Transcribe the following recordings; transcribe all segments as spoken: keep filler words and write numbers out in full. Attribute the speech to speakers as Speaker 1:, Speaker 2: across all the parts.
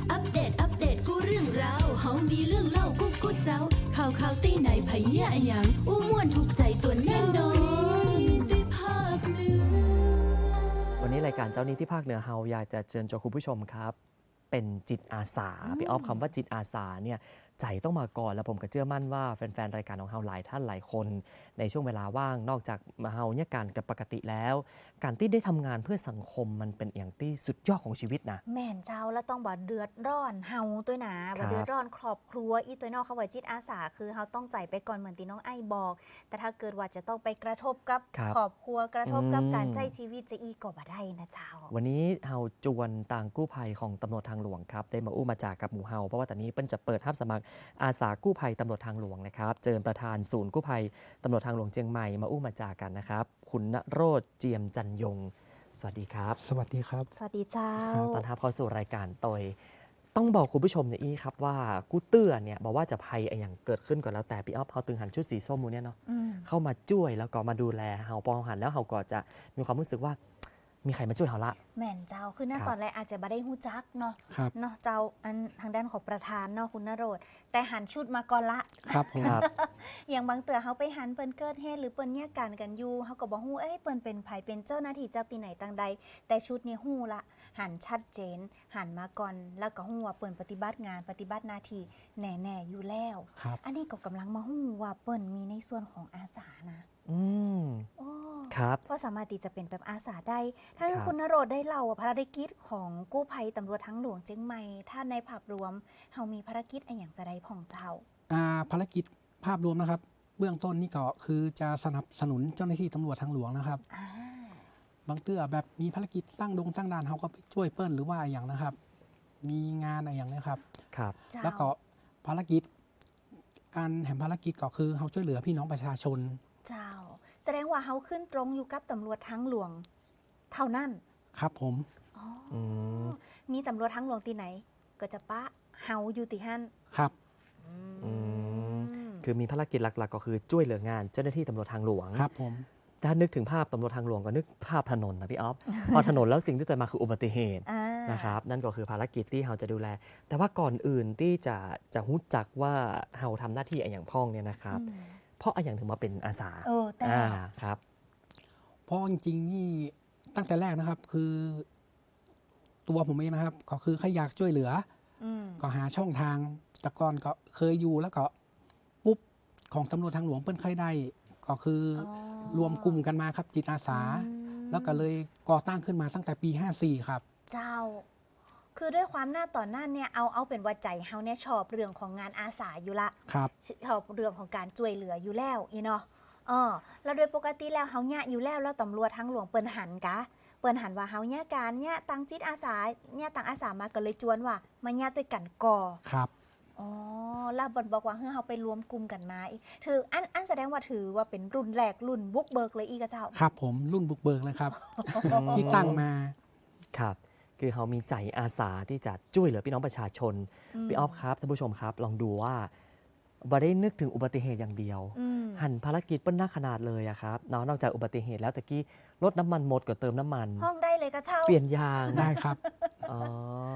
Speaker 1: อัปเดตอัปเดตกูเรื่องราวเฮามีเรื่องเล่ากูกูเจ้าข่าวข่าวตีไหนไผเนี่ยอะหยังอู้ม่วนถูกใจตัวแน่นอนได้ภาคเหนือ
Speaker 2: วันนี้รายการเจ้านี้ที่ภาคเหนือเฮาอยากจะเชิญชวนคุณผู้ชมครับเป็นจิตอาสาพี่ออฟคำว่าจิตอาสาเนี่ยใจต้องมาก่อนแล้วผมก็เชื่อมั่นว่าแฟนๆรายการของเฮาหลายท่านหลายคนในช่วงเวลาว่างนอกจากมาเฮาเนี่ยการกับปกติแล้ว การที่ได้ทำงานเพื่อสังคมมันเป็นอย่างที่สุดยอดของชีวิตนะ
Speaker 3: แม่นเจ้าแล้วต้องบ่เดือดร้อนเฮาตัวหนาบ่เดือดร้อนครอบครัวอีตัวนอกเขาว่าจิตอาสาคือเฮาต้องใจไปก่อนเหมือนที่น้องไอ้บอก แต่ถ้าเกิดว่าจะต้องไปกระทบกับครอบครัวกระทบกับการใช้ชีวิตจะอีก็บ่ได้นะเจ้า
Speaker 2: วันนี้เฮาจวนต่างกู้ภัยของตำรวจทางหลวงครับได้มาอู้มาจากกับหมู่เฮาเพราะว่าตอนนี้เปิ้นจะเปิดรับสมัครอาสากู้ภัยตำรวจทางหลวงนะครับเจอประธานศูนย์กู้ภัยตำรวจทางหลวงเชียงใหม่มาอู้มาจากกันนะครับคุณณโรจน์เจียมจันยงสวัสดีครับ
Speaker 4: สวัสดีครับ
Speaker 3: สวัสดีเจ้า
Speaker 2: ตอนรับเข้าสู่รายการตอยต้องบอกคุณผู้ชมเนี่ยอีครับว่ากู้เตื้อเนี่ยบอกว่าจะภัยอย่างเกิดขึ้นก่อนแล้วแต่พี่อ๊อฟเขาตึงหันชุดสีส้มมูเนี่ยเนาะเข้ามาช่วยแล้วก็มาดูแลเฮาปองหันแล้วเฮาก็จะมีความรู้สึกว่ามีใครมาช่วยเฮาละ
Speaker 3: แม่นเจ้าคือหน้าตอนแรกอาจจะบ่ได้ฮู้จักเนาะเนาะเจ้าอันทางด้านของประธานเนาะคุณณโรจน์แต่หันชุดมาก่อนละ
Speaker 4: ครับผม
Speaker 3: อย่างบางเตือเขาไปหันเปิ้นเกิดเหตุหรือเปิ้นแยกกันกันอยู่เขาก็บ่ฮู้เอ้ยเปิ้นเป็นไผเป็นเจ้าหน้าที่จากที่ไหนต่างใดแต่ชุดนี้ฮู้ละหันชัดเจนหันมาก่อนแล้วก็ฮู้ว่าเปิ้นปฏิบัติงานปฏิบัติหน้าที่แน่ๆอยู่แล้วอันนี้ก็กำลังมาฮู้ว่าเปิ้นมีในส่วนของอาสานะ
Speaker 2: อืม
Speaker 3: โอ้
Speaker 2: ครับ
Speaker 3: ก็สามารถที่จะเป็นแบบอาสาได้ถ้าคุณณโรจน์ได้เล่าภารกิจของกู้ภัยตำรวจทางหลวงเชียงใหม่ถ้าในภาพรวมเฮามีภารกิจอะไรอย่างจะได้พ่องเจ้า
Speaker 4: อ่าภารกิจภาพรวมนะครับเบื้องต้นนี่ก็คือจะสนับสนุนเจ้าหน้าที่ตำรวจทางหลวงนะครับบางเตื้อแบบมีภารกิจตั้งดงตั้งด่านเขาก็ไปช่วยเปิ้ลหรือว่าอย่างนะครับมีงานอะไรอย่างนี้ครับ
Speaker 2: ครับ
Speaker 4: แล้วก็ภารกิจอันแห่งภารกิจก็คือเขาช่วยเหลือพี่น้องประชาชน
Speaker 3: เจ้าแสดงว่าเขาขึ้นตรงอยู่กับตำรวจทางหลวงเท่านั้น
Speaker 4: ครับผม
Speaker 3: มีตำรวจทางหลวงที่ไหนก็จะปะเฮาอยู่ที่หั่น
Speaker 4: ครับ
Speaker 2: คือมีภารกิจหลักๆก็คือช่วยเหลืองานเจ้าหน้าที่ตำรวจทางหลวง
Speaker 4: ครับผม
Speaker 2: ถ้านึกถึงภาพตำรวจทางหลวงก็นึกภาพถนนนะพี่อ๊อฟ พอถนนแล้วสิ่งที่เกิดมาคืออุบัติเหตุนะครับนั่นก็คือภารกิจที่เราจะดูแลแต่ว่าก่อนอื่นที่จะจะรู้จักว่าเราทำหน้าที่อย่างพ้องเนี่ยนะครับเพราะอย่างถึงมาเป็นอาสา
Speaker 3: เออแต่
Speaker 2: ครับ
Speaker 4: เพราะจริงๆนี่ตั้งแต่แรกนะครับคือตัวผมเองนะครับก็คือใครอยากช่วยเหลือก็หาช่องทางแต่ก่อนก็เคยอยู่แล้วก็ปุ๊บของตำรวจทางหลวงเปิ้นเคยได้ก็คือรวมกลุ่มกันมาครับจิตอาสาแล้วก็เลยก่อตั้งขึ้นมาตั้งแต่ปีห้าสี่ครับ
Speaker 3: เจ้าคือด้วยความหน้าต่อหน้าเนี่ยเอาเอาเป็นว่าใจเฮาเนี่ยชอบเรื่องของงานอาสาอยู่ละ
Speaker 4: ครับ
Speaker 3: ชอบเรื่องของการช่วยเหลืออยู่แล้วอีเนาะเออแล้วโดยปกติแล้วเฮาเนี่ยอยู่แล้วแล้วตำรวจทางหลวงเปิ้นหันกะเปิ้นหันว่าเฮาเนี่ยการเนี่ยตังจิตอาสาเนี่ยตังอาสามาก็เลยจวนว่ามาเนี่ยด้วยกันก่อ
Speaker 4: ครับ
Speaker 3: อ๋อแล้วบนบอกว่าเฮ้ยเฮาไปรวมกลุ่มกันมาถืออันอันแสดงว่าถือว่าเป็นรุ่นแรกรุ่นบุกเบิกเลยอีกเจ้า
Speaker 4: ครับผมรุ่นบุกเบิกเลยครับ ที่ตั้งมา
Speaker 2: ครับคือเขามีใจอาสาที่จะช่วยเหลือพี่น้องประชาชนพี่ออฟครับท่านผู้ชมครับลองดูว่าบ่ได้นึกถึงอุบัติเหตุอย่างเดียวหันภารกิจเปิ้ลหน้าขนาดเลยอะครับนอกจากอุบัติเหตุแล้วตะกี้รถน้ำมันหมดก็เติมน้ำมัน
Speaker 3: ห้องได้เลยก็เช่า
Speaker 2: เปลี่ยนยาง
Speaker 4: ได้ครับ
Speaker 2: อ๋อ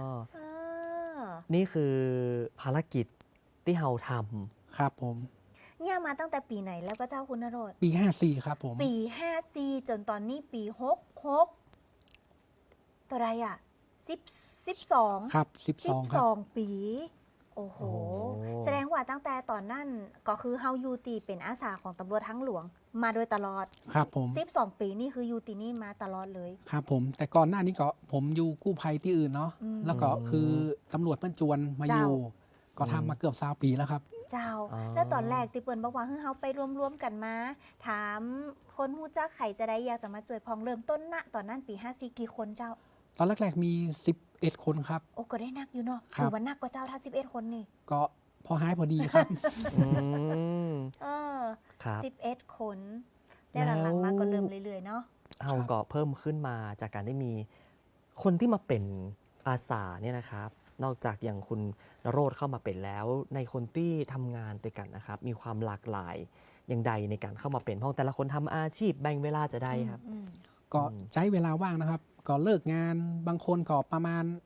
Speaker 2: นี่คือภารกิจที่เราท
Speaker 4: ำครับผม
Speaker 3: เนี่ยมาตั้งแต่ปีไหนแล้วก็เจ้าคุณณโรจน์
Speaker 4: ปีห้าสี่ครับผม
Speaker 3: ปีห้าสี่จนตอนนี้ปีหกหกตัวไรอ่ะสิบสิบสอง
Speaker 4: ครับสิบสอง
Speaker 3: สองปีโอ้โหแสดงว่าตั้งแต่ตอนนั้นก็คือเฮายูตีเป็นอาสาของตำรวจทางหลวงมาโดยตลอด
Speaker 4: ครับผม
Speaker 3: สิบสองปีนี่คือยูตีนี่มาตลอดเลย
Speaker 4: ครับผมแต่ก่อนหน้านี้ก็ผมอยู่กู้ภัยที่อื่นเนาะแล้วก็คือตำรวจเปิ้นจวนมาอยู่ก็ทำมาเกือบสามปีแล้วครับ
Speaker 3: เจ้าแล้วตอนแรกที่เปิ้นบอกว่าเฮ้ยเฮาไปรวมๆกันมาถามคนฮู้จักใครจะได้อยากจะมาช่วยพองเริ่มต้นณตอนนั้นปีห้าสี่กี่คนเจ้า
Speaker 4: ตอนแรกๆมีสิบเอ็ดคนครับ
Speaker 3: โอ้ก็ได้นักอยู่เนาะคือว่านักกว่าเจ้าถ้าสิบเอ็ดคนนี่
Speaker 4: ก็พอหายพอดีครับ
Speaker 3: เออสิบเอ็ดคนได้หลังๆมาก็เริ่มเรื่อยๆเนาะ
Speaker 2: เอาก็เพิ่มขึ้นมาจากการได้มีคนที่มาเป็นอาสาเนี่ยนะครับนอกจากอย่างคุณณโรจน์เข้ามาเป็นแล้วในคนที่ทำงานด้วยกันนะครับมีความหลากหลายอย่างใดในการเข้ามาเป็นเพราะแต่ละคนทำอาชีพแบ่งเวลาจะได้ครับ
Speaker 4: ก็ใช้เวลาว่างนะครับก็เลิกงานบางคนก็ประมาณ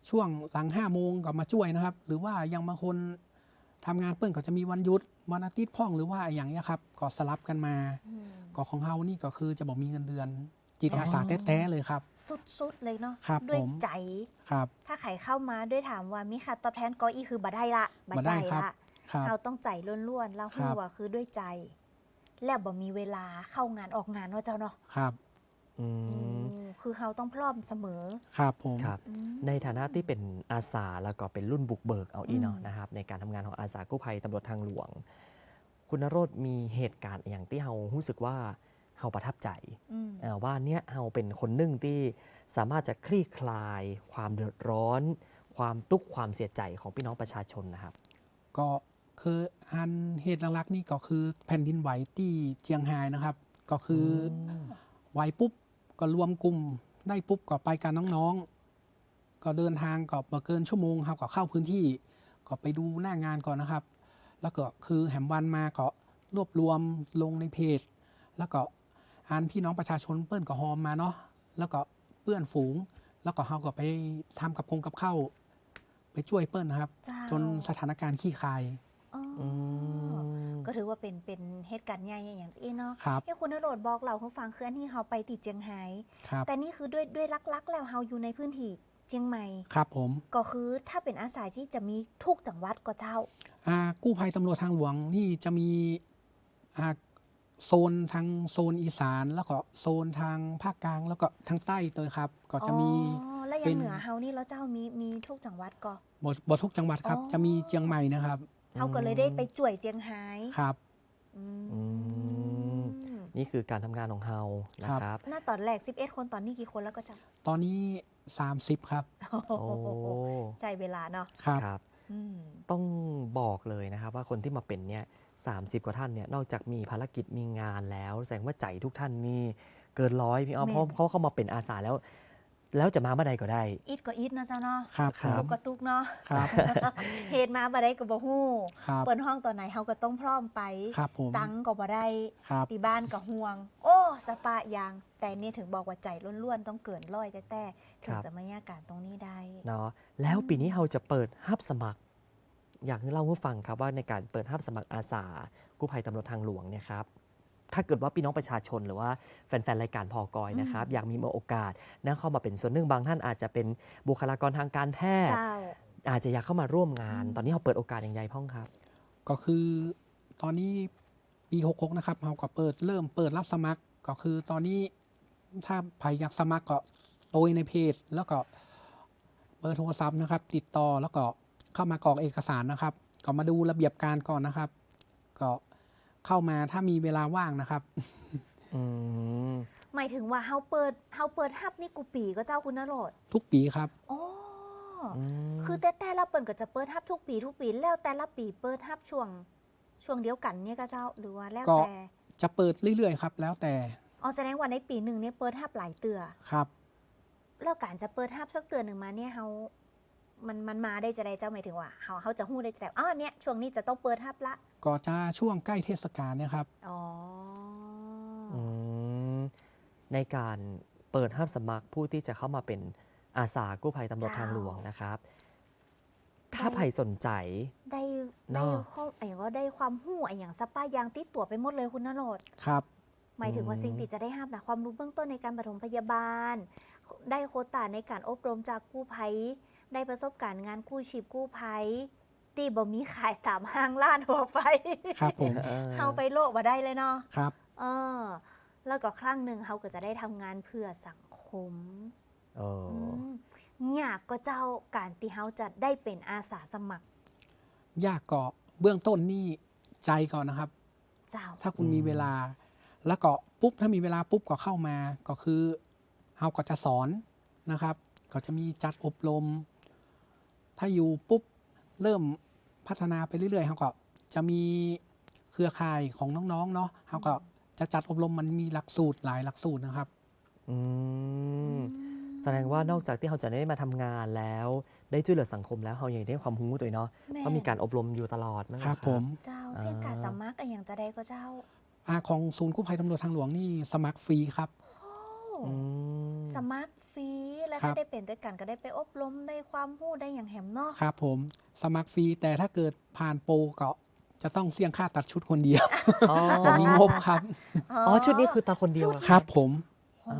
Speaker 4: ช่วงหลังห้าโมงก็มาช่วยนะครับ หรือว่ายังบางคนทำงานเปิ้นก็จะมีวันหยุดวันอาทิตย์พ่องหรือว่าอย่างเงี้ยครับก็สลับกันมา
Speaker 3: อืม
Speaker 4: ก็ของเฮานี่ก็คือจะบอกมีเงินเดือน จิตอาสาแท้ๆเลยครับ
Speaker 3: สุดๆเลยเนาะ
Speaker 4: ครับ
Speaker 3: ด้วย
Speaker 4: ผม
Speaker 3: ใจ
Speaker 4: ครับ
Speaker 3: ถ้าใครเข้ามาด้วยถามว่ามีค่าตอบแทนก็อีคือบ่ได้ละบ่
Speaker 4: บ่
Speaker 3: ใจ
Speaker 4: ได้ครับ
Speaker 3: ละ
Speaker 4: ครับ
Speaker 3: เราต้องใจล้วนๆแล้ว
Speaker 4: ครั
Speaker 3: หั
Speaker 4: บ
Speaker 3: วคือด้วยใจ แล้วบ่มีเวลาเข้างานออกงานว่าเจ้าเนาะ
Speaker 4: ครับ
Speaker 2: อื
Speaker 3: อื
Speaker 2: ม
Speaker 3: มคือเราต้องพร้อมเสมอ
Speaker 4: ครับผม
Speaker 2: ครับ
Speaker 3: อืม
Speaker 2: ในฐานะที่เป็นอาสาแล้วก็เป็นรุ่นบุกเบิกเอาอีเนาะ
Speaker 3: อืม
Speaker 2: นะครับในการทำงานของอาสากู้ภัยตำรวจทางหลวง คุณนโรธมีเหตุการณ์อย่างที่เฮารู้สึกว่าเฮาประทับใจ
Speaker 3: อืม
Speaker 2: เอ่อว่าเนี่ยเฮาเป็นคนหนึ่งที่สามารถจะคลี่คลาย ความเดือดร้อน ความทุกข์ความเสียใจของพี่น้องประชาชนนะครับ
Speaker 4: ก็คืออันเหตุหลักๆนี่ก็คือแผ่นดินไหวที่เจียงไฮ้นะครับ ก็คืออไหวปุ๊บก็รวมกลุ่มได้ปุ๊บก็ไปกันน้องๆ ก็เดินทางก็มาเกินชั่วโมงครับก็เข้าพื้นที่ก็ไปดูหน้างานก่อนนะครับ แล้วก็คือแหมวันมาก็รวบรวมลงในเพจ แล้วก็อ่านพี่น้องประชาชนเปิ้นก็ฮอมมาเนาะแล้วก็เปื้อนฝูง แล้วก็เฮาก็ไปทำกับพงกับข้าวไปช่วยเปิ้นนะครับ
Speaker 3: เจ้า
Speaker 4: จนสถานการณ์ขี้คาย
Speaker 3: อ๋ออ
Speaker 2: อืม
Speaker 3: ก็ถือว่าเป็นเป็นเหตุการณ์ใหญ่อย่างที่เนาะ
Speaker 4: ครับ
Speaker 3: ที่คุณนโรดบอกเราเขาฟังคืออันที่เขาไปติดเจียงไฮ้
Speaker 4: ครับ
Speaker 3: แต่นี่คือด้วยด้วยลักๆ แล้วเราอยู่ในพื้นที่เจียงใหม่
Speaker 4: ครับผม
Speaker 3: ก็คือถ้าเป็นอาสาที่จะมีทุกจังหวัดก็เจ้า
Speaker 4: อ่ากู้ภัยตำรวจทางหลวงนี่จะมีอ่าโซนทางโซนอีสาน แล้วก็โซนทางภาคกลางแล้วก็ทางใต้ตัวครับ ก็จะมี
Speaker 3: อ๋อ แล้วอ
Speaker 4: เป็
Speaker 3: ย่าง
Speaker 4: น
Speaker 3: เหนือเฮานี่แล้วเจ้ามีมีทุกจังหวัดก็
Speaker 4: บทบททุกจังหวัดครับ
Speaker 3: อ๋อ
Speaker 4: จะมีเจียงใหม่นะครับ
Speaker 3: เฮาก็เลยได้ไปจ่วยเจียงไฮ้
Speaker 4: ครับ
Speaker 3: อื
Speaker 2: อื
Speaker 3: ม
Speaker 2: ม นี่คือการทำงานของเฮานะครับ
Speaker 3: หน้าตอนแรกสิบเอ็ดคนตอนนี้กี่คนแล้วก็เจ้า
Speaker 4: ตอนนี้สามสิบครับ
Speaker 2: โอ้
Speaker 3: ใจเวลาเนาะ
Speaker 4: ครับ
Speaker 2: ครับ
Speaker 3: อืม
Speaker 2: ต้องบอกเลยนะครับว่าคนที่มาเป็นเนี่ยสามสิบกว่าท่านเนี่ยนอกจากมีภารกิจมีงานแล้ว แสดงว่าใจทุกท่านนี่เกินร้อยพี่อ้อม
Speaker 3: แม่น
Speaker 2: เพราะเขาเข้ามาเป็นอาสาแล้ว แล้วจะมาเมื่อใดก็ได้
Speaker 3: อีทก็อีทนะเจ้าเนาะ
Speaker 4: ครับ
Speaker 2: ครับ
Speaker 3: ตุกก็ตุกเนาะ
Speaker 4: ครับ
Speaker 3: เหตุมาบ่ได้ก็บ่ฮู้
Speaker 4: ครับ
Speaker 3: เปิดห้องตอนไหนเฮาก็ต้องพร้อมไป
Speaker 4: ครับผม
Speaker 3: ตังค์ก็บ่ได้
Speaker 4: ครับ
Speaker 3: ที่บ้านก็ห่วง โอ้สปะยาง แต่นี่ถึงบอกว่าใจล้วนๆต้องเกินร้อยแต่แต่ถึงจะมาแยกการตรงนี้ได้
Speaker 2: เนาะแล้วปีนี้เราจะเปิดฮับสมัคร อยากให้เล่าให้ฟังครับว่าในการเปิดฮับสมัครอาสากู้ภัยตำรวจทางหลวงเนี่ยครับถ้าเกิดว่าพี่น้องประชาชนหรือว่าแฟนๆรายการพอกอยนะครับ
Speaker 3: อืม
Speaker 2: อยากมีโอกาสนั่งเข้ามาเป็นส่วนหนึ่งบางท่านอาจจะเป็นบุคลากรทางการแพทย์
Speaker 3: เจ้า
Speaker 2: อาจจะอยากเข้ามาร่วมงาน
Speaker 3: อืม
Speaker 2: ตอนนี้เราเปิดโอกาสอย่างไรพ่องครับ
Speaker 4: ก็คือตอนนี้ปีหกหกนะครับเราก็เปิดเริ่มเปิดรับสมัคร ก็คือตอนนี้ถ้าใครอยากสมัครก็โดยในเพจ แล้วก็เบอร์โทรศัพท์นะครับ ติดต่อแล้วก็เข้ามากรอกเอกสารนะครับ ก็มาดูระเบียบการก่อนนะครับ ก็เข้ามาถ้ามีเวลาว่างนะครับ
Speaker 2: อืม
Speaker 3: หมายถึงว่าเฮาเปิดเฮาเปิดฮับนี่กูปีก็เจ้าคุณนโรด
Speaker 4: ทุกปีครับ
Speaker 3: อ๋ออ
Speaker 2: ม
Speaker 3: คือแต่แต่ละเปิดก็จะเปิดฮับทุกปีทุกปีแล้วแต่ละปีเปิดฮับช่วงช่วงเดียวกันเนี่ยก็เจ้าหรือว่าแล้ว
Speaker 4: ก็
Speaker 3: แต่
Speaker 4: จะเปิดเรื่อยๆครับ แล้วแต่
Speaker 3: อ๋อแสดงว่าในปีหนึ่งเนี่ยเปิดฮับหลายเตือ
Speaker 4: ครับ
Speaker 3: แล้วการจะเปิดฮับสักเตือนหนึ่งมาเนี่ยเฮามันมันมาได้จะได้เจ้าหมายถึงว่าเฮาเฮาจะฮู้ได้จะได้อ๋อเนี่ยช่วงนี้จะต้องเปิดฮับละ
Speaker 4: ก็จะช่วงใกล้เทศกาลเนี่ยครับ
Speaker 3: อ๋ออ
Speaker 2: อืมในการเปิดฮับสมัครผู้ที่จะเข้ามาเป็นอาสากู้ภัยตำรวจทางหลวงนะครับ ถ้าใครสนใจ
Speaker 3: ได้
Speaker 2: เน
Speaker 3: ได้
Speaker 2: อะ
Speaker 3: ข้อไอ้ก็ได้ความหู้ไอ้อย่างสปายางติดตัวไปหมดเลยคุณนโรด
Speaker 4: ครับ
Speaker 3: หมายถึงว่า
Speaker 2: อืม
Speaker 3: สิ่งที่จะได้ห้ามนะความรู้เบื้องต้นในการปฐมพยาบาล ได้โควตาในการอบรมจากกู้ภัย ได้ประสบการณ์งานกู้ชีพกู้ภัยตีบ่มีขายตามห้างร้านทั่วไป
Speaker 4: ครับผม
Speaker 2: ออ
Speaker 3: เฮาไปโลกมาได้เลยเนาะ
Speaker 4: ครับ
Speaker 3: เออ แล้วก็ครั้งหนึ่งเฮาก็จะได้ทำงานเพื่อสังคม
Speaker 2: เออ
Speaker 3: มยากก็เจ้าการที่เฮาจะได้เป็นอาสาสมัคร
Speaker 4: ยากก็เบื้องต้นนี่ใจก่อนนะครับ
Speaker 3: เจ้า
Speaker 4: ถ้าคุณ
Speaker 2: อืม
Speaker 4: มีเวลา แล้วก็ปุ๊บถ้ามีเวลาปุ๊บก็เข้ามา ก็คือเฮาก็จะสอนนะครับ ก็จะมีจัดอบรม ถ้าอยู่ปุ๊บเริ่มพัฒนาไปเรื่อยๆเฮาก็จะมีเครือข่ายของน้องๆเนาะเฮาก็จะจัดอบรมมันมีหลักสูตรหลายหลักสูตรนะครับ
Speaker 2: อืมแสดงว่านอกจากที่เราจะได้มาทำงานแล้ว ได้ช่วยเหลือสังคมแล้วเรายังได้ความรู้ตัวเองเนาะ
Speaker 3: แม่
Speaker 2: เพราะมีการอบรมอยู่ตลอดนั่นแห
Speaker 4: ครั
Speaker 2: ละ
Speaker 4: บผม
Speaker 3: เจ้าเสี่ยงการสมัครไอ้อย่างจะได้ก็เจ้า
Speaker 4: อาของศูนย์กู้ภัยตำรวจทางหลวงนี่สมัครฟรีครับ
Speaker 3: โอ้
Speaker 2: อืม
Speaker 3: สมัครฟรีแล้วแล้ว
Speaker 4: ครั
Speaker 3: ถ้า
Speaker 4: บ
Speaker 3: ได้เป็นด้วยกันก็ได้ไปอบรมได้ความรู้ได้อย่างแหมเนาะ
Speaker 4: ครับผมสมัครฟรีแต่ถ้าเกิดผ่านโปรก็จะต้องเสี่ยงค่าตัดชุดคนเดียว
Speaker 2: อ๋อ
Speaker 4: ผมมีงบครับ
Speaker 2: อ๋อชุดนี้คือตาคนเดียว
Speaker 3: ชุ
Speaker 2: เหรอ
Speaker 4: ครับผม
Speaker 2: อ๋อ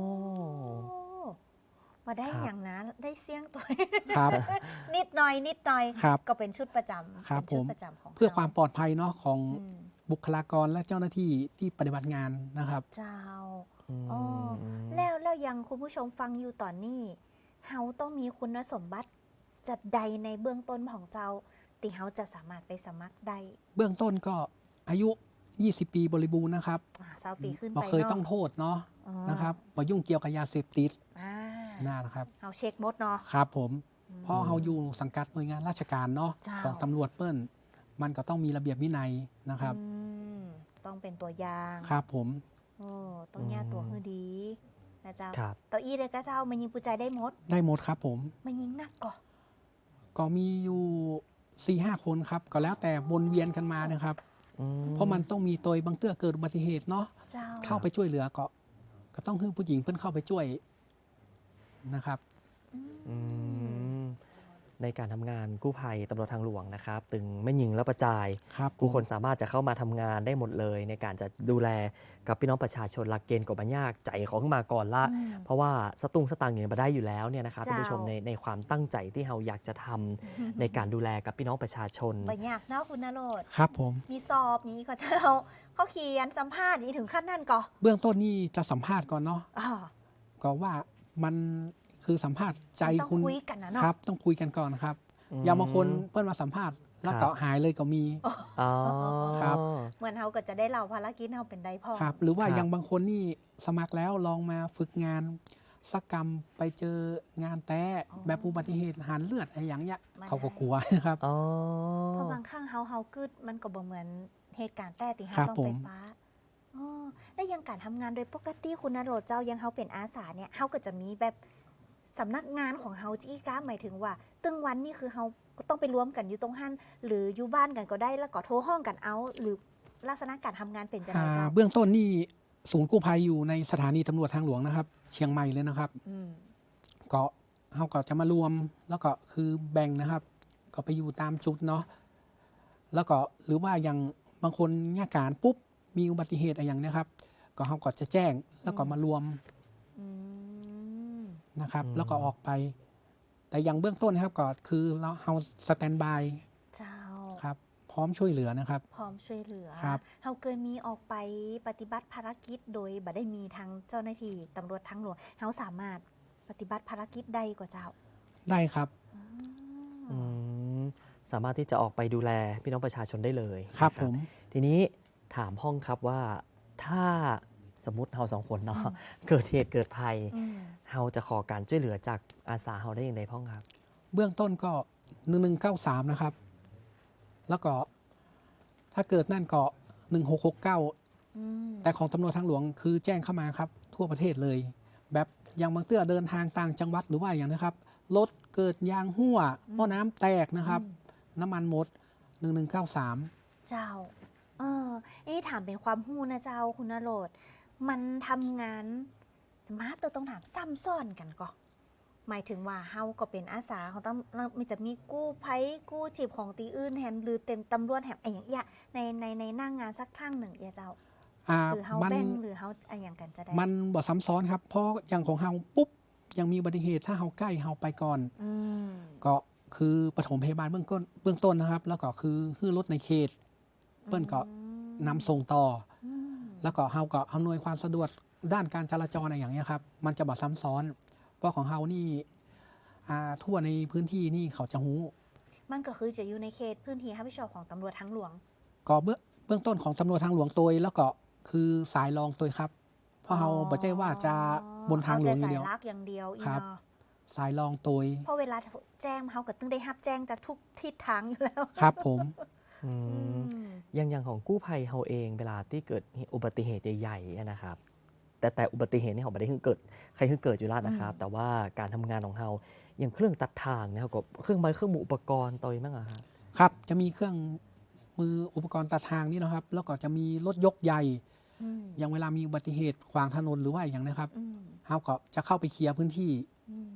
Speaker 3: มาได้
Speaker 2: ครับ
Speaker 3: อย่างนั้นได้เสี่ยงตัว
Speaker 4: ครับ
Speaker 3: นิดหน่อยนิดหน่อย
Speaker 4: ครับ
Speaker 3: ก็เป็นชุดประจำ
Speaker 4: ครับ
Speaker 3: เป็นชุด
Speaker 4: ผม
Speaker 3: ประจำของ
Speaker 4: เพื่อ
Speaker 3: ร
Speaker 4: ความปลอดภัยเนาะของ
Speaker 3: อืม
Speaker 4: บุคลากรและเจ้าหน้าที่ที่ปฏิบัติงานนะครับ
Speaker 3: เจ้า
Speaker 2: อืม
Speaker 3: อ๋อแล้วแล้วยังคุณผู้ชมฟังอยู่ตอนนี้เฮาต้องมีคุณสมบัติจัดใดในเบื้องต้นของเจ้าที่เฮาจะสามารถไปสมัครได้
Speaker 4: เบื้องต้นก็อายุ ยี่สิบ ปีบริบูรณ์นะครับ
Speaker 3: อ่าเศร้าปีขึ้น
Speaker 4: บ่
Speaker 3: ไป
Speaker 4: เคย
Speaker 3: เนาะ
Speaker 4: ต้องโทษเนาะ
Speaker 3: อ๋อ
Speaker 4: นะครับบ่ยุ่งเกี่ยวกับยาเสพติด
Speaker 3: อ่า
Speaker 4: น่านะครับ
Speaker 3: เฮาเช็คหมดเนาะ
Speaker 4: ครับผมเพราะเราอยู่สังกัดหน่วยงานราชการเนาะ
Speaker 3: เจ้า
Speaker 4: ของตำรวจเปิ้ลมันก็ต้องมีระเบียบวินัยนะครับ
Speaker 3: อืมต้องเป็นตัวอย่าง
Speaker 4: ครับผม
Speaker 3: โอ้ต้องแย่ตัวให้ดีนะเจ้า
Speaker 2: ครับ
Speaker 3: เตัวอี้เลยก็เจ้ามันยิงปูใจได้หมด
Speaker 4: ได้หมดครับผม
Speaker 3: มันยิงหนักก่อ
Speaker 4: ก็มีอยู่สี่ห้าคนครับ ก็แล้วแต่วนเวียนกันมานะครับ
Speaker 2: อื
Speaker 4: เพราะมันต้องมีตัวบางเตื้อเกิดอุบัติเหตุเนาะ
Speaker 3: เจ้า
Speaker 4: เข้าไปช่วยเหลือก็ก็ต้องให้ผู้หญิงเพิ่นเข้าไปช่วยนะครับ
Speaker 2: อืมในการทำงานกู้ภัยตำรวจทางหลวงนะครับ ตึงไม่ยิงแล้วประจาย
Speaker 4: ครับ
Speaker 2: ผู้คนสามารถจะเข้ามาทำงานได้หมดเลย ในการจะดูแลกับพี่น้องประชาชนหลักเกณฑ์กบบัญยากใจของขึ้นมาก่อนละ
Speaker 3: อืม
Speaker 2: เพราะว่าสตุ้งสตางค์อย่างมาได้อยู่แล้วเนี่ยนะครับ
Speaker 3: เจ้า
Speaker 2: ท่านผู้ชมในในความตั้งใจที่เราอยากจะทำในการดูแลกับพี่น้องประชาชน
Speaker 3: บยากเนาะคุณนโรด
Speaker 4: ครับผม
Speaker 3: มีสอบมีก็เจ้าเขาเขียนสัมภาษณ์นี่ถึงขั้นนั่นก่อ
Speaker 4: เบื้องต้นนี่จะสัมภาษณ์ก่อนเนาะ
Speaker 3: อ๋อ
Speaker 4: ก็ว่ามันคือสัมภาษณ์ใจ
Speaker 3: ต้อง
Speaker 4: คุณ
Speaker 3: คุยกันนะเนาะ
Speaker 4: ครับ ต้องคุยกันก่อนครับ
Speaker 2: อืม
Speaker 4: อย่างบางคนเพิ่นมาสัมภาษณ์แล้ว
Speaker 2: ครั
Speaker 4: ก็
Speaker 2: บ
Speaker 4: หายเลยก็มี
Speaker 2: อ๋อ
Speaker 4: ครับ
Speaker 3: เหมือนเขาก็จะได้เล่าภารกิจเขาเป็นได้พ่อ
Speaker 4: ครับ หรือว่า
Speaker 2: ครับ
Speaker 4: อย่างบางคนนี่สมัครแล้วลองมาฝึกงานสักกรรมไปเจองานแต้แบบอุบัติเหตุหันเลือดอะไรอย่างเงี้ยเขาก็กลัวนะครับ
Speaker 2: อ๋อ
Speaker 3: เพราะบางครั้งเฮาเฮากึดมันก็บ่เหมือนเหตุการณ์แต่ที่
Speaker 4: ครั
Speaker 3: เฮา
Speaker 4: บ
Speaker 3: ต้องไป
Speaker 4: ผม
Speaker 3: ป้าอ๋อและยังการทำงานโดยปกติคุณนโรดเจ้ายังเฮาเป็นอาสาเนี่ยเฮาก็จะมีแบบสำนักงานของเฮาจี้ก้าหมายถึงว่า ตึงวันนี่คือเฮาก็ต้องไปรวมกันอยู่ตรงหันหรืออยู่บ้านกันก็ได้แล้วก็โทรห้องกันเอา หรือลักษณะการทำงานเป็นจังได
Speaker 4: อ่า
Speaker 3: เจ้า
Speaker 4: เบื้องต้นนี่ศูนย์กู้ภัยอยู่ในสถานีตำรวจทางหลวงนะครับ เชียงใหม่เลยนะครับ
Speaker 3: อืม
Speaker 4: ก็เขาก็จะมารวมแล้วก็คือแบ่งนะครับ ก็ไปอยู่ตามจุดเนาะแล้วก็หรือว่าอย่างบางคนงานการปุ๊บมีอุบัติเหตุอะไรอย่างเนี้ยครับ ก็เขาก็จะแจ้งแล้วก็มารวม
Speaker 3: อืม
Speaker 4: นะครับ
Speaker 2: อืม
Speaker 4: แล้วก็ออกไป แต่อย่างเบื้องต้นนะครับก็คือเราเฮาสแตนบาย
Speaker 3: เจ้า
Speaker 4: ครับ พร้อมช่วยเหลือนะครับ
Speaker 3: พร้อมช่วยเหลือ
Speaker 4: ครับ
Speaker 3: เฮาเคยมีออกไปปฏิบัติภารกิจโดยบ่ได้มีทางเจ้าหน้าที่ตำรวจทางหลวงเฮาสามารถปฏิบัติภารกิจได้กว่าเจ้า
Speaker 4: ได้ครับ
Speaker 2: อืมสามารถที่จะออกไปดูแลพี่น้องประชาชนได้เลย
Speaker 4: ครับ
Speaker 2: นะ
Speaker 4: ผม
Speaker 2: ทีนี้ถามห้องครับว่าถ้าสมมติเราสองคนเนาะเกิดเหตุเกิดภัย
Speaker 3: อืม
Speaker 2: เราจะขอการช่วยเหลือจากอาสาเราได้อย่างไรพ่องครับ
Speaker 4: เบื้องต้นก็หนึ่งหนึ่งเก้าสามนะครับ แล้วก็ถ้าเกิดนั่นก็หนึ่งหกหกเก้า
Speaker 3: อืม
Speaker 4: แต่ของตำรวจทางหลวงคือแจ้งเข้ามาครับ ทั่วประเทศเลย แบบอย่างบางเตื้อเดินทางต่างจังหวัดหรือว่าอย่างนะครับรถเกิดยางรั่วหม้อน้ำแตกนะครับ น้ำมันหมดหนึ่งหนึ่งเก้าสาม
Speaker 3: เจ้า เออนี่ถามเป็นความหู้นะเจ้าคุณนโรดมันทำงานสมาร์ตตัวต้องถามซ้ำซ้อนกันก่อนหมายถึงว่าเฮาก็เป็นอาสาของต้องมีจะมีกู้ภัยกู้ชีพของตีอื่นแฮมหรือเต็มตำรวจแฮมไอ้อย่างเงี้ยในในในหน้างงานสักครั้งหนึ่งเอียเจ้า
Speaker 4: อ่า
Speaker 3: หรือเฮา
Speaker 4: มัน
Speaker 3: แบ่งหรือเฮาอะไรอย่างกันจะได้
Speaker 4: มันบ่ซ้ำซ้อนครับ เพราะอย่างของเฮาปุ๊บยังมีอุบัติเหตุถ้าเฮาใกล้เฮาไปก่อน
Speaker 3: อืม
Speaker 4: ก็คือปฐมพยาบาลเบื้องต้นเบื้องต้นนะครับ แล้วก็คือฮื้อรถในเขต เปิ้นก็นำส่งต่อ
Speaker 3: อืม
Speaker 4: แล้วก็เฮาก็อำนวยความสะดวกด้านการจราจรอะไรอย่างเงี้ยครับ มันจะบ่ซ้ำซ้อน เพราะของเฮานี่อ่าทั่วในพื้นที่นี่เขาจะหู้
Speaker 3: มันก็คือจะอยู่ในเขตพื้นที่รับผิดชอบของตำรวจทางหลวง
Speaker 4: ก็เบื้องเบื้องต้นของตำรวจทางหลวงตัวแล้วก็คือสายรองตัวครับ เพราะเฮาบ่ใช่ว่าจะบนทางหลวงอย่างเดียว
Speaker 3: เแต่สายลักอย่างเดียวอี
Speaker 4: ครับ
Speaker 3: เนาะ
Speaker 4: สายรองตัว
Speaker 3: เพราะเวลาแจ้งเฮาก็ต้องได้รับแจ้งจากทุกทิศทางอยู่แล้ว
Speaker 4: ครับผม
Speaker 2: อื
Speaker 3: อื
Speaker 2: ม
Speaker 3: ม
Speaker 2: อย่างอย่างของกู้ภัยเราเองเวลาที่เกิดอุบัติเหตุใหญ่ๆอะนะครับ แต่แต่อุบัติเหตุนี่เขาไม่ได้เพิ่งเกิดใครเพิ่งเกิดอยู่แล้วนะครับ แต่ว่าการทำงานของเราอย่างเครื่องตัดทางนะครับกับเครื่องไม้เครื่องมืออุปกรณ์ตัวนี้มั้งอะครับ
Speaker 4: ครับจะมีเครื่องมืออุปกรณ์ตัดทางนี่นะครับ แล้วก็จะมีรถยกใหญ่
Speaker 3: อืม
Speaker 4: อย่างเวลามีอุบัติเหตุขวางถนนหรือว่าอย่างนะครับ
Speaker 3: อืม
Speaker 4: เฮาก็จะเข้าไปเคลียร์พื้นที่
Speaker 3: อืม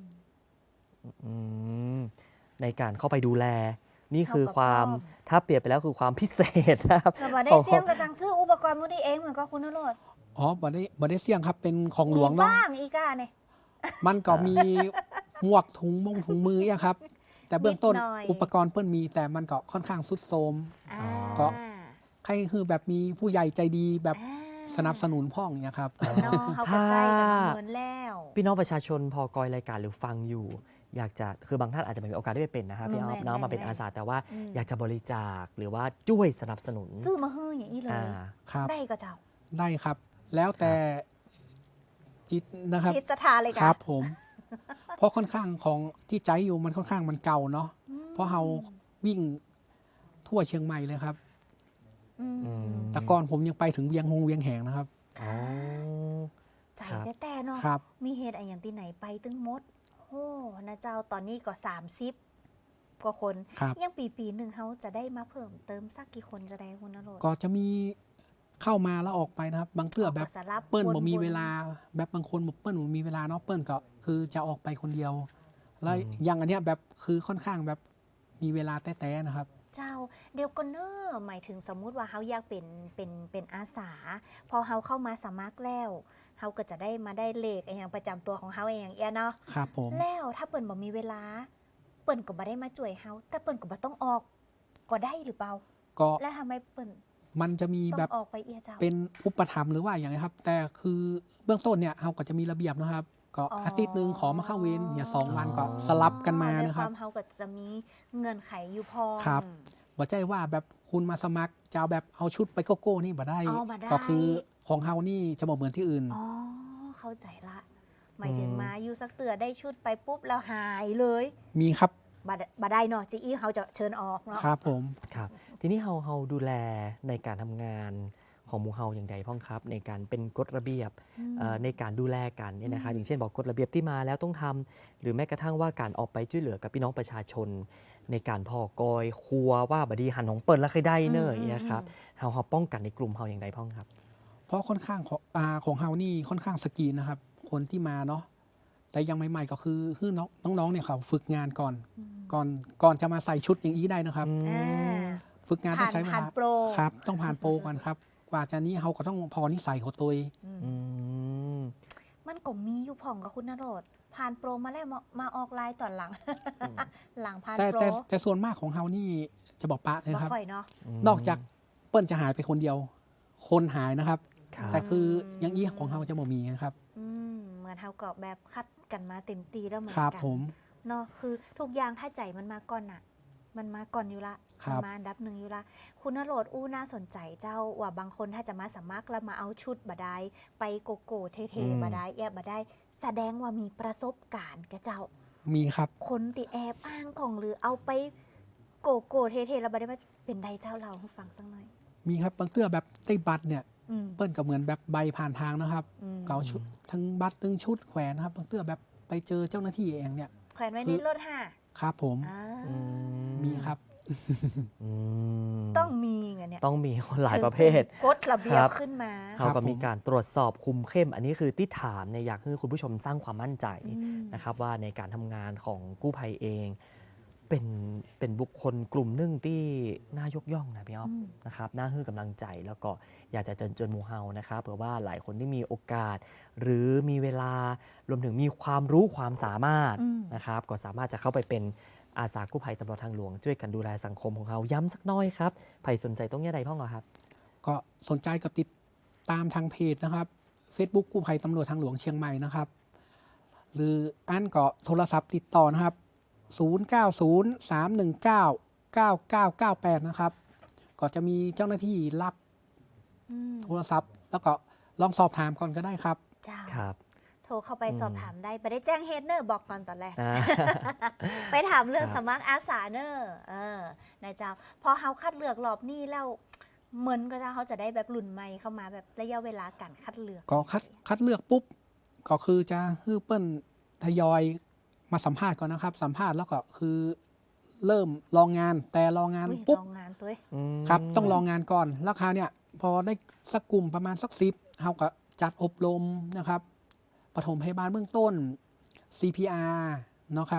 Speaker 2: อืมในการเข้าไปดูแล นี่คือความถ้าเปรียบไปแล้วคือความพิเศษนะครับ
Speaker 3: แต่บ่ได้เสี่ยงกับทางซื้ออุปกรณ์มื้อนี้เองเหมือนก็คุณนรส
Speaker 4: อ๋อบ่ได้บ่ได้เสี่ยงครับเป็นของหลวง
Speaker 3: มี
Speaker 4: เนาะ
Speaker 3: บ้างอีกอ่ะเนี่ย
Speaker 4: มันก็มีหมวกถุงมงถุงมืออะครับ แต่เบื้องต้น
Speaker 3: นิดหน่อย
Speaker 4: อุปกรณ์เปิ้นมีแต่มันก็ค่อนข้างสุดโทรม
Speaker 3: อ่า
Speaker 4: ก็ ใครคือแบบมีผู้ใหญ่ใจดีแบบ
Speaker 3: อ่า
Speaker 4: สนับสนุนพ่องเนี่ยครับ
Speaker 3: เนาะเขาก็ใจกันเหมือนแล้ว
Speaker 2: พี่น้องประชาชนพอกอยรายการหรือฟังอยู่ อยากจะคือบางท่านอาจจะไม่มีโอกาสได้ไปเป็นนะครับพี่อ้อม
Speaker 3: แม่น
Speaker 2: น้องมา
Speaker 3: แม่น
Speaker 2: เป็นอาสาแต่ว่า
Speaker 3: อืม
Speaker 2: อยากจะบริจาคหรือว่าช่วยสนับสนุน
Speaker 3: ซื้อมาเฮ้ยอย่างนี้เลย
Speaker 2: อ่า
Speaker 4: ครับ
Speaker 3: ได้ก็เจ้า
Speaker 4: ได้ครับ แล้วแต่จิตนะครับ
Speaker 3: ทิศทาเลย
Speaker 4: ค
Speaker 3: กั
Speaker 4: รับผม เพราะค่อนข้างของที่ใจอยู่มันค่อนข้างมันเก่าเนาะเพราะเราวิ่งทั่วเชียงใหม่เลยครับ
Speaker 3: อืม
Speaker 2: อืม
Speaker 4: แต่ก่อนผมยังไปถึงเวียงหงเวียงแหงนะครับ
Speaker 2: อ๋อ
Speaker 3: ใจ
Speaker 2: ครับ
Speaker 3: แต่ๆเนาะ
Speaker 4: ครับ
Speaker 3: มีเหตุอะไรอย่างที่ไหนไปตึงมดโอ้นะเจ้าตอนนี้ก็สามสิบกว่าคน
Speaker 4: ครับ
Speaker 3: ยังปีปีหนึ่งเขาจะได้มาเพิ่มเติมสักกี่คนจะได้คุณนรส
Speaker 4: ก็จะมีเข้ามาแล้วออกไปนะครับ บางเทื่อแบบ
Speaker 3: ก็สลับ
Speaker 4: เปิ้ล
Speaker 3: วน
Speaker 4: บ่มี
Speaker 3: ๆ
Speaker 4: เวลา แบบบางคนบอกเปิ้ลบ่มีเวลาเนาะเปิ้ลก็คือจะออกไปคนเดียว แล้ว
Speaker 2: อืม
Speaker 4: อย่างอันเนี้ยแบบคือค่อนข้างแบบมีเวลาแต้ๆนะครับ
Speaker 3: เจ้าเดียวก็เนอหมายถึงสมมุติว่าเขาอยากเป็นเป็นเป็นอาสา พอเขาเข้ามาสมัครแล้วเขาก็จะได้มาได้เลขไอ้อย่างประจำตัวของเขาเองเอียเนาะ
Speaker 4: ครับผม
Speaker 3: แล้วถ้าเปิ่นบ่มีเวลา เปิ่นก็บ่ได้มาช่วยเฮาแต่เปิ่นก็บ่ต้องออกก็ได้หรือเปล่า
Speaker 4: ก็
Speaker 3: แล้วทำไมเปิ่น
Speaker 4: มันจะมี
Speaker 3: ต้
Speaker 4: แบ
Speaker 3: อบ งออกไปเอียเจ้า
Speaker 4: เป็นอุปถัมภ์หรือว่าอย่างไรครับ แต่คือเบื้องต้นเนี่ยเราก็จะมีระเบียบนะครับ ก็
Speaker 3: อ๋ออ
Speaker 4: อาทิตย์หนึ่งขอมาเข้าเวรอย่าสองวันก็สลับกันมา
Speaker 3: ด้วย
Speaker 4: นะค
Speaker 3: ครับ วามเฮาก็จะมีเงื่อนไขอยู่พอ
Speaker 4: ครับ บ่ใจว่าแบบคุณมาสมัครจะเอาแบบเอาชุดไปโกโก้นี่บ่ได้
Speaker 3: เอาบ่ได้
Speaker 4: ก็คือของเฮานี่จะบอกเหมือนที่อื่น
Speaker 3: อ๋อเข้าใจละ หมายถึง
Speaker 2: อืม
Speaker 3: มาอยู่สักเตือได้ชุดไปปุ๊บแล้วหายเลย
Speaker 4: มีครับ
Speaker 3: บ่ได้บ่ได้เนาะจีอีเฮาจะเชิญออกเนาะ
Speaker 4: ครับผม
Speaker 2: ครับทีนี้เฮาเฮาดูแลในการทำงานของหมู่เฮาอย่างไรพ้องครับ ในการเป็นกฎระเบียบ
Speaker 3: อืม
Speaker 2: เอ่อในการดูแลกันเนี่ยนะครับ
Speaker 3: อืม
Speaker 2: อย่างเช่นบอกกฎระเบียบที่มาแล้วต้องทำหรือแม้กระทั่งว่าการออกไปช่วยเหลือกับพี่น้องประชาชน ในการพอกอยครัวว่าบดีหันของเปิดแล้วเคยได้เนอะอย่างเงี้ยครับเฮาเฮาป้องกันในกลุ่มเฮาอย่างไรพ้องครับ
Speaker 4: เพราะค่อนข้างของอาของเฮานี่ค่อนข้างสกรีนนะครับ คนที่มาเนาะแต่ยังใหม่ๆก็คือคือน้องน้องๆเนี่ยเขาฝึกงานก่อน
Speaker 3: อืม
Speaker 4: ก่อนก่อนจะมาใส่ชุดอย่างนี้ได้นะครับ
Speaker 3: อ่า
Speaker 4: ฝึกงานต้อ
Speaker 3: ผ่าง น
Speaker 4: ใช้เว
Speaker 3: ผ่าน
Speaker 4: ลา
Speaker 3: โปร
Speaker 4: ครับ ต้องผ่านโปรก่อนครับ กว่าจะนี้เฮาก็ต้องพอนิสัยของตัวเอง
Speaker 3: อืม
Speaker 2: อืม
Speaker 3: มันก็มีอยู่ผ่องกับคุณนโรดผ่านโปรมาแล้วมามาออกไลน์ตอนหลัง
Speaker 2: อืม
Speaker 3: หลังผ่าน
Speaker 4: แต่
Speaker 3: โปร
Speaker 4: แต่แต่ส่วนมากของเฮานี่จะบอกปะเลย
Speaker 3: บ่
Speaker 4: ครับ
Speaker 3: ค่อยเนาะ
Speaker 4: นอกจากเปิ้ลจะหายไปคนเดียว คนหายนะครับ
Speaker 2: ครับ
Speaker 4: แต่คืออย่างนี้ของเฮาจะบ่มีนะครับ
Speaker 3: อืมเหมือนเฮาก็แบบคัดกันมาเต็มตีแล้วเหมือน
Speaker 4: ครับ
Speaker 3: กั
Speaker 4: ผม
Speaker 3: เนาะคือทุกอย่างถ้าใจมันมาก่อนน่ะ มันมาก่อนอยู่ละ
Speaker 4: ครับ
Speaker 3: มันมาอันดับหนึ่งอยู่ละคุณนโรดอู้น่าสนใจเจ้าว่าบางคนถ้าจะมาสมัครแล้วมาเอาชุดบาได้ไปโกโก้เท่ๆบาได้แอบบาได้ แสดงว่ามีประสบการณ์แกเจ้า
Speaker 4: มีครับ
Speaker 3: คนติแอบอ้างของหรือเอาไปโกโก้เท่ๆแล้วบาได้ว่าเป็นใดเจ้าเราให้ฟังสักหน่อย
Speaker 4: มีครับบางเตื้อแบบได้บัตรเนี่ย
Speaker 3: อืม
Speaker 4: เปิ้ลก็เหมือนแบบใบผ่านทางนะครับ
Speaker 3: อืม
Speaker 4: เกาชุดทั้งบัตรทั้งชุดแขวนนะครับบางเตื้อแบบไปเจอเจ้าหน้าที่เองเนี่ย
Speaker 3: แขวนไว้
Speaker 4: คื
Speaker 3: ใน
Speaker 4: อ
Speaker 3: รถห่า
Speaker 4: ครับผม
Speaker 3: อ่า
Speaker 2: อื
Speaker 4: มีครับ
Speaker 2: อืม
Speaker 3: ต้องมีไงเนี่ย
Speaker 2: ต้องมีคนหลายประเภท
Speaker 3: กฎระเบีย
Speaker 2: ครับ บ
Speaker 3: ขึ้นมา
Speaker 2: เขา
Speaker 4: ครั
Speaker 2: ก็
Speaker 4: บผม
Speaker 2: มีการตรวจสอบคุมเข้ม อันนี้คือที่ถามเนี่ยอยากให้คุณผู้ชมสร้างความมั่นใจ
Speaker 3: อืม
Speaker 2: นะครับว่าในการทำงานของกู้ภัยเอง เป็นเป็นบุคคลกลุ่มหนึ่งที่น่ายกย่องนะพี่อ๊อฟ
Speaker 3: อืม
Speaker 2: นะครับน่าให้กำลังใจแล้วก็อยากจะเจิญจนหมูเฮานะครับเผื่อว่าหลายคนที่มีโอกาส หรือมีเวลารวมถึงมีความรู้ความสามารถ
Speaker 3: อืม
Speaker 2: นะครับก็สามารถจะเข้าไปเป็นอาสากู้ภัยตำรวจทางหลวง ช่วยกันดูแลสังคมของเราย้ำสักหน้อยครับใครสนใจต้องแย่ใดพ่องเหรอครับ
Speaker 4: ก็สนใจก็ติดตามทางเพจนะครับ Facebook กู้ภัยตำรวจทางหลวงเชียงใหม่นะครับ หรืออันก็โทรศัพท์ติดต่อนะครับ ศูนย์ เก้า ศูนย์ สาม หนึ่ง เก้า เก้า เก้า เก้า แปด นะครับ ก็จะมีเจ้าหน้าที่รับ
Speaker 3: อืม
Speaker 4: โทรศัพท์ แล้วก็ลองสอบถามก่อนก็ได้ครับ
Speaker 3: เจ้า
Speaker 2: ครับ
Speaker 3: โทรเข้าไป
Speaker 2: อืม
Speaker 3: สอบถามได้ไปได้แจ้งเฮดเนอร์บอกก่อนตอนแรก
Speaker 2: อ่า
Speaker 3: ไปถามเรื่อง
Speaker 2: ครับ
Speaker 3: สมัครอาสาเนอร์เออนายเจ้า พอเขาคัดเลือกรอบนี้แล้วเหมือนก็จะเขาจะได้แบบรุ่นใหม่เข้ามาแบบระยะเวลาการคัดเลือก
Speaker 4: ก็คัดคัดเลือกปุ๊บ ก็คือจะฮื้อเปิ้ลทยอยมาสัมภาษณ์ก่อนนะครับ สัมภาษณ์แล้วก็คือเริ่มลองงาน แต่ลองงาน
Speaker 3: อุ๊ย
Speaker 4: ปุ๊บ
Speaker 3: ลองงานตัวเอง
Speaker 2: อืม
Speaker 4: ครับ ต้องลองงานก่อนราคราวเนี่ยพอได้สักกลุ่มประมาณสักสิบเขาก็จัดอบรมนะครับปฐมพยาบาลเบื้องต้น ซี พี อาร์ เนาะครับ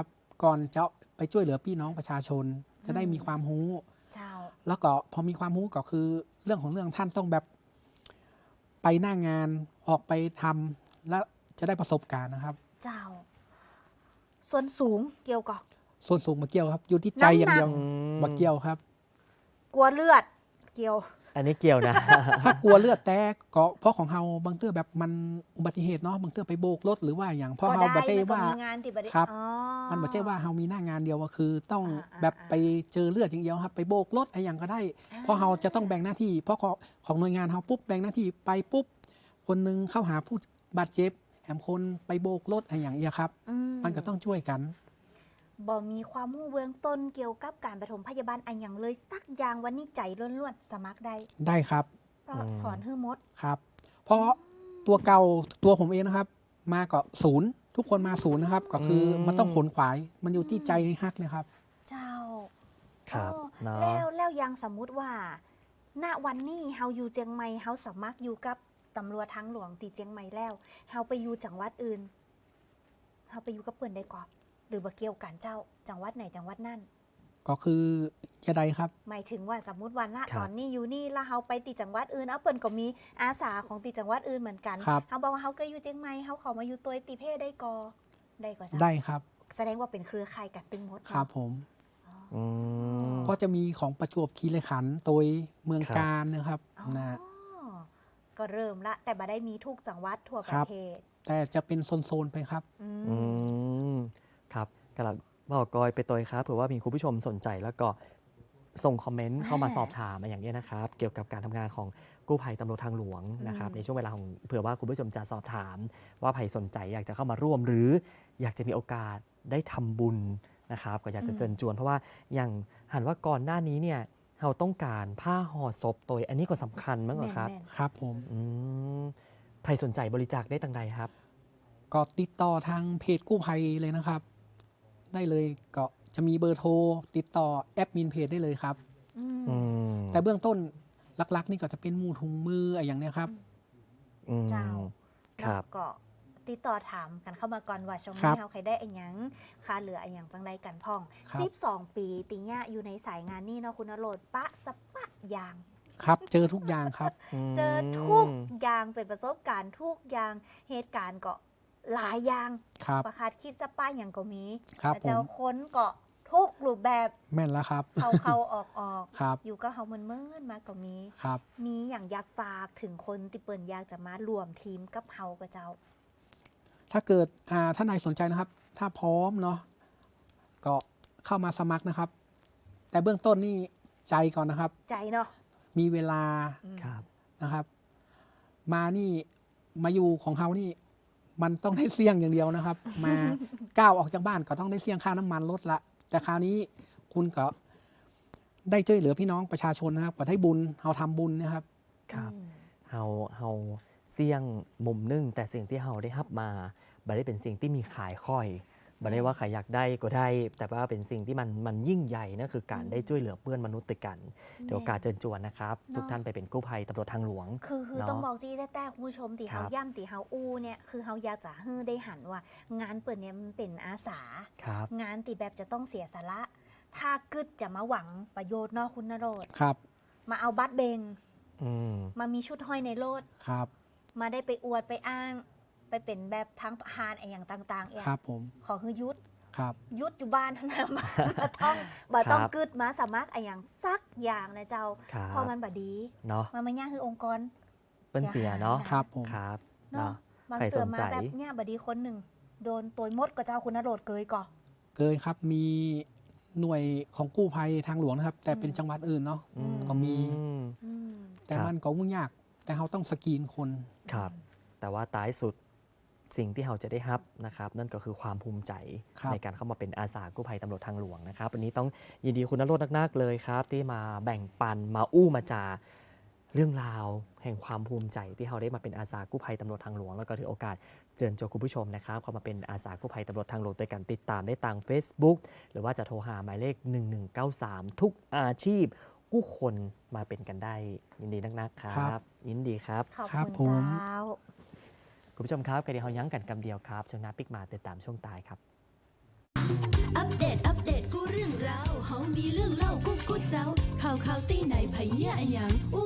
Speaker 4: ก่อนจะไปช่วยเหลือพี่น้องประชาชน จะได้มีความรู้
Speaker 3: เจ้า
Speaker 4: แล้วก็พอมีความรู้ก็คือเรื่องของเรื่องท่านต้องแบบไปหน้างานออกไปทำแล้วจะได้ประสบการณ์นะครับ
Speaker 3: เจ้า ส่วนสูงเกี่ยวกับ
Speaker 4: ส่วนสูงมาเกี่ยวครับ อยู่ที่ใจอย่างเดียว
Speaker 2: อืม
Speaker 4: มาเกี่ยวครับ
Speaker 3: กลัวเลือด เกี่ยว
Speaker 2: อันนี้เกี่ยวนะ
Speaker 4: ถ้ากลัวเลือดแตกก็เพราะของเฮาบางเตื้อแบบมันอุบัติเหตุเนาะบางเตื้อไปโบกรถหรือว่าอย่างเพราะเฮา
Speaker 3: ก็
Speaker 4: บั
Speaker 3: ได้
Speaker 4: ใช่
Speaker 3: มันก็
Speaker 4: ว่า
Speaker 3: มีงานติดบัตร
Speaker 4: ครับ
Speaker 3: อ๋อ
Speaker 4: มันไม่ใช่ว่าเฮามีหน้างานเดียวก็คือ ต้อง
Speaker 3: อ่าอ่า
Speaker 4: แบบ
Speaker 3: อ่า
Speaker 4: ไปเจอเลือดอย่างเดียวครับ ไปโบกรถอะไรอย่างก็ได้ เพราะเฮาจะต้องแบ่งหน้าที่ เพราะของของหน่วยงานเฮาปุ๊บแบ่งหน้าที่ไปปุ๊บคนหนึงเข้าหาผู้บาดเจ็บแถมคนไปโบกรถอะไรอย่างเงี้ยครับ
Speaker 3: อื
Speaker 4: มันก็ต้องช่วยกัน
Speaker 3: บ่มีความรู้เบื้องต้นเกี่ยวกับการปฐมพยาบาลอันอย่างเลยสักอย่างวันนี้ใจล้วนๆสมัครได้
Speaker 4: ได้ครับ
Speaker 3: เพราะสอนฮื้อมด
Speaker 4: ครับ เพราะตัวเก่าตัวผมเองนะครับ มาก็ศูนย์ทุกคนมาศูนย์นะครับ ก็คืออ
Speaker 2: ม
Speaker 4: มันต้องขนขวาย มันอยู่ที่ใจฮักนะครับ
Speaker 3: เจ้า
Speaker 2: ครับ
Speaker 3: อ๋อ
Speaker 2: เนาะ
Speaker 3: แล้วแล้วยังสมมุติว่า ณวันนี้เฮาอยู่เจียงใหม่เฮาสมัครอยู่กับตำรวจทางหลวงตีเจียงใหม่แล้วเฮาไปอยู่จังหวัดอื่นเฮาไปอยู่กับเปิ้นได้ก่อนหรือบ่เกี่ยวกันเจ้าจังหวัดไหนจังหวัดนั่น
Speaker 4: ก็คือจะได้ครับ
Speaker 3: หมายถึงว่าสมมุติว่าณ
Speaker 2: ครับ
Speaker 3: ตอนนี้อยู่นี่แล้วเฮาไปตีจังหวัดอื่นเอาเปิ้นก็มีอาสาของตีจังหวัดอื่นเหมือนกัน
Speaker 4: ครับ
Speaker 3: เฮาบอกว่าเฮาก็อยู่เจียงใหม่เฮาขอมาอยู่ตัวตีเพศได้ก่อได้ก่อจ้ะ
Speaker 4: ได้ครับ
Speaker 3: แสดงว่าเป็นเครือข่ายกันตึงหมดเนาะ
Speaker 4: ครับผม
Speaker 2: อืม
Speaker 4: ก็จะมีของประจวบคีรีขันธ์โดยเมือง
Speaker 2: ครับ
Speaker 4: การนะครับ
Speaker 3: อ๋อ
Speaker 4: นะ
Speaker 3: ก็เริ่มละแต่บ่ได้มีทุกจังหวัดทั่วป
Speaker 4: ครั
Speaker 3: ระ
Speaker 4: บ
Speaker 3: เทศ
Speaker 4: แต่จะเป็นโซนๆไปครับ
Speaker 3: อืม
Speaker 2: อืมครับกำลังบอกกอยไปตัวครับเผื่อว่ามีคุณผู้ชมสนใจแล้วก็ส่งคอมเมนต์เข้ามาสอบถามมาอย่างนี้ยนะครับ เกี่ยวกับการทำงานของกู้ภัยตำรวจทางหลวงนะครับ ในช่วงเวลาของเผื่อว่าคุณผู้ชมจะสอบถาม ว่าใครสนใจอยากจะเข้ามาร่วม หรืออยากจะมีโอกาสได้ทำบุญนะครับ ก็อยากจะเชิญชวนเพราะว่าอย่างหันว่าก่อนหน้านี้เนี่ยเราต้องการผ้าห่อศพตัวอันนี้ก็สำคัญมั้งเหรอครับ
Speaker 3: แม่น
Speaker 4: ครับผม
Speaker 2: อืมใครสนใจบริจาคได้ตังใดครับ
Speaker 4: ก็ติดต่อทางเพจกู้ภัยเลยนะครับ ได้เลยก็จะมีเบอร์โทร ติดต่อแอดมินเพจได้เลยครับ
Speaker 3: ๆอืม
Speaker 2: อืม
Speaker 4: แต่เบื้องต้นหลักๆ นี่ก็จะเป็นหมูถุงมืออะไรอย่างเนี้ยครับ
Speaker 2: อืม
Speaker 3: เจ้า
Speaker 2: ครับ
Speaker 3: แล้วก็ติดต่อถามกันเข้ามาก่อนว่าช่วง
Speaker 4: ครั
Speaker 3: นี้
Speaker 4: บ
Speaker 3: เฮาใครได้อันหยังค่าเหลืออันหยังจังใดกันพ่อง
Speaker 4: ครับ
Speaker 3: สิบสองปีติญะอยู่ในสายงานนี่เนาะคุณนโรดปะสะปะอย่าง
Speaker 4: ครับ เจอทุกอย่างครับ
Speaker 3: เจอทุกอย่างเป็นประสบการณ์ทุกอย่างเหตุการณ์ก็หลายอย่าง
Speaker 4: ครับ
Speaker 3: ประคาดคิดจะป้าอย่างก็มี
Speaker 4: ครับ
Speaker 3: เจ้า
Speaker 4: ผม
Speaker 3: ค้นก็ทุกรูปแบบ
Speaker 4: แม่นแล้วครับ
Speaker 3: เข้าเข้าออกออก
Speaker 4: ครับ
Speaker 3: อยู่ก็เฮาเมินเมินๆมาก็มี
Speaker 4: ครับ
Speaker 3: มีอย่างอยากฝากถึงคนที่เปิ่นอยากจะมารวมทีมกับเฮากับเจ้า
Speaker 4: ถ้าเกิดอ่าท่านใดสนใจนะครับ ถ้าพร้อมเนาะก็เข้ามาสมัครนะครับ แต่เบื้องต้นนี่ใจก่อนนะครับ
Speaker 3: ใจเนาะ
Speaker 4: มีเวลา
Speaker 3: อืม
Speaker 2: ครับ
Speaker 4: นะครับ มานี่มาอยู่ของเขานี่ มันต้องได้เสี่ยงอย่างเดียวนะครับ มา ก้าวออกจากบ้านก็ต้องได้เสี่ยงค่าน้ำมันลดละ แต่คราวนี้คุณก็ได้ช่วยเหลือพี่น้องประชาชนนะครับก็ได้บุญเราทำบุญนะครับ
Speaker 2: ครับ
Speaker 3: อืม
Speaker 2: เฮาเฮาเสี่ยงมุมหนึงแต่สิ่งที่เฮาได้รับมาบ่ได้เป็นสิ่งที่มีขายค่อยบ่ได้ว่าใครอยากได้ก็ได้ แต่ว่าเป็นสิ่งที่มันมันยิ่งใหญ่นั่นคือการได้ช่วยเหลือเพื่อนมนุษย์ด้วยกันเดี๋ยวโอกาสเชิญชวนนะครับ ทุกท่านไปเป็นกู้ภัยตำรวจทางหลวง
Speaker 3: คือคือ
Speaker 2: เนาะ
Speaker 3: ต้องบอกจี้แต่ๆคุณผู้ชมตี
Speaker 2: ครั
Speaker 3: เฮา
Speaker 2: บ
Speaker 3: ย่ำตีเฮาอู้เนี่ยคือเฮาอยากจะให้ได้หันว่า งานเปิดเนี่ยมันเป็นอาสา
Speaker 2: ครับ
Speaker 3: งานตีแบบจะต้องเสียสาระถ้ากึดจะมาหวังประโยชน์เนอกคุณนโรด
Speaker 4: ครับ
Speaker 3: มาเอาบัตรเบง
Speaker 2: อืม
Speaker 3: มามีชุดห้อยในโลด
Speaker 4: ครับ
Speaker 3: มาได้ไปอวดไปอ้าง ไปเป็นแบบทั้งพานอะไรอย่างต่างๆเอง
Speaker 4: ครับผม
Speaker 3: ขอคือยุด
Speaker 4: ครับ
Speaker 3: ยุดอยู่บ้านเท่านั้น บ่บ่ต้องบ่ต้อง
Speaker 2: ครับ
Speaker 3: กึดมาสามัครอะไรอย่างสักอย่างนะเจ้า
Speaker 2: ครับ
Speaker 3: พอมันบ่ดี
Speaker 2: เนาะ
Speaker 3: มันมาย่างคือองค์กร
Speaker 2: เป็นเสียเนาะ
Speaker 4: ครับผม
Speaker 2: ครับ
Speaker 3: เนาะ
Speaker 2: เนาะ
Speaker 3: บาง
Speaker 2: ใคร
Speaker 3: เตื
Speaker 2: ส
Speaker 3: อน
Speaker 2: น
Speaker 3: มา
Speaker 2: ใจ
Speaker 3: แบบเนี่ยบ่ดีคนหนึ่งโดนตัวมดกับเจ้าคุณนโรดเกยก่อ
Speaker 4: เคยครับมีหน่วยของกู้ภัยทางหลวงนะครับ แต่เป็น
Speaker 3: อืม
Speaker 4: จังหวัดอื่นเนาะ
Speaker 2: อืม
Speaker 4: ก็มี
Speaker 3: อืม
Speaker 4: แต่
Speaker 2: ครับ
Speaker 4: มันก็วุ่นยาก แต่เราต้องสกรีนคน
Speaker 2: ครับ แต่ว่าท้ายสุดสิ่งที่เราจะได้รับนะครับ นั่นก็คือความภูมิใจ
Speaker 4: ครับ
Speaker 2: ในการเข้ามาเป็นอาสากู้ภัยตำรวจทางหลวงนะครับวันนี้ต้องยินดีคุณนรสนักๆเลยครับ ที่มาแบ่งปันมาอู้มาจาเรื่องราวแห่งความภูมิใจที่เราได้มาเป็นอาสากู้ภัยตำรวจทางหลวงแล้วก็ถือโอกาสเชิญชวนคุณผู้ชมนะครับเข้ามาเป็นอาสากู้ภัยตำรวจทางหลวงโดยการติดตามได้ทาง Facebook หรือว่าจะโทรหาหมายเลขหนึ่งหนึ่งเก้าสามทุกอาชีพกู้คนมาเป็นกันได้ ยินดีนักๆค
Speaker 4: ครั
Speaker 2: รับ
Speaker 4: บ
Speaker 2: ยินดีครับ
Speaker 3: ขอบ
Speaker 4: ครับ
Speaker 3: คุณ
Speaker 4: ผม
Speaker 3: เจ้า
Speaker 2: คุณผู้ชมครับกระเดียวเฮายั้งกันกำเดียวครับช่วงหน้าปิกมาติดตามช่วงตายครับ
Speaker 1: อัปเดตอัปเดตกูเรื่องราวเฮามีเรื่องเล่ากูกูเจ้าข่าวข่าวตีไหนไผเนี่ยอะหยังอู้